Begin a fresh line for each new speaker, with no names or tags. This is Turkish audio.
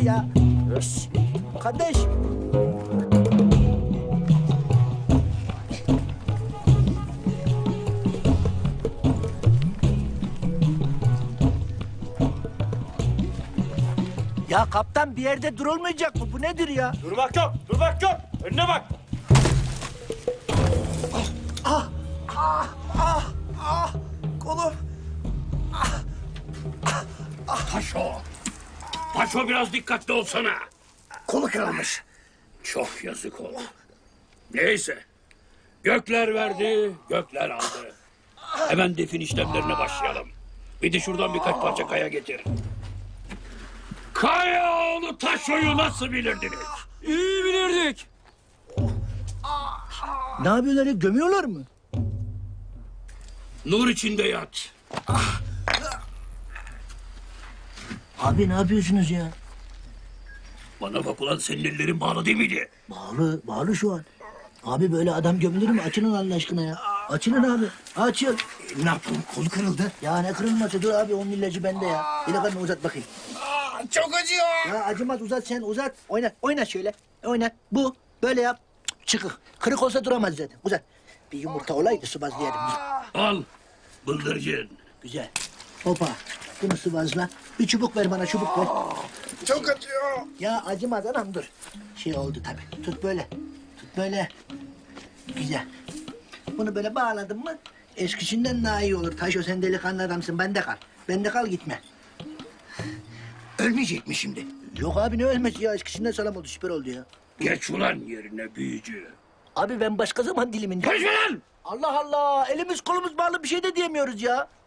ya. Şşş, kardeş. Ya kaptan bir yerde durulmayacak mı? Bu nedir ya?
Durmak yok, durmak yok. Önüne bak.
Kolum.
Paşo. Paşo biraz dikkatli olsana.
Kolu kırılmış.
Çok yazık oldu. Neyse. Gökler verdi, gökler aldı. Hemen defin işlemlerine başlayalım. Bir de şuradan birkaç parça kaya getir. Kayaoğlu Taşo'yu nasıl bilirdiniz?
İyi bilirdik.
Ne yapıyorlar ya? Gömüyorlar mı?
Nur içinde yat.
Abi ne yapıyorsunuz ya?
Bana bak ulan, senin ellerin bağlı değil miydi?
Bağlı, bağlı şu an. Abi böyle adam gömülür mü? Açılın Allah aşkına ya. Açılın abi. Açıl.
Ne yapalım, kolu kırıldı.
Ya ne kırılması? Dur abi onun ilacı bende ya. İlakanı uzat bakayım.
Çok acıyor.
Ya acımaz uzat sen uzat. Oynat, oynat şöyle. Oynat. Bu. Böyle yap. Çıkık. Kırık olsa duramaz zaten. Uzat. Bir yumurta olaydı sıvazlayalım.
Al, bıldırcın.
Güzel. Hopa. Bunu sıvazla. Bir çubuk ver bana çubuk ver.
Çok acıyor.
Ya acımaz anam dur. Şey oldu tabii. Tut böyle. Tut böyle. Güzel. Bunu böyle bağladın mı eskisinden daha iyi olur. Taşo sen delikanlı adamsın. Bende kal. Bende kal gitme.
Ölmeyecek mi şimdi?
Yok abi ne ölmesi ya. Eskisinden sağlam oldu. Süper oldu ya.
Geç ulan yerine büyücü.
Abi ben başka zaman diliminde.
Geç ulan!
Allah Allah. Elimiz kolumuz bağlı bir şey de diyemiyoruz ya.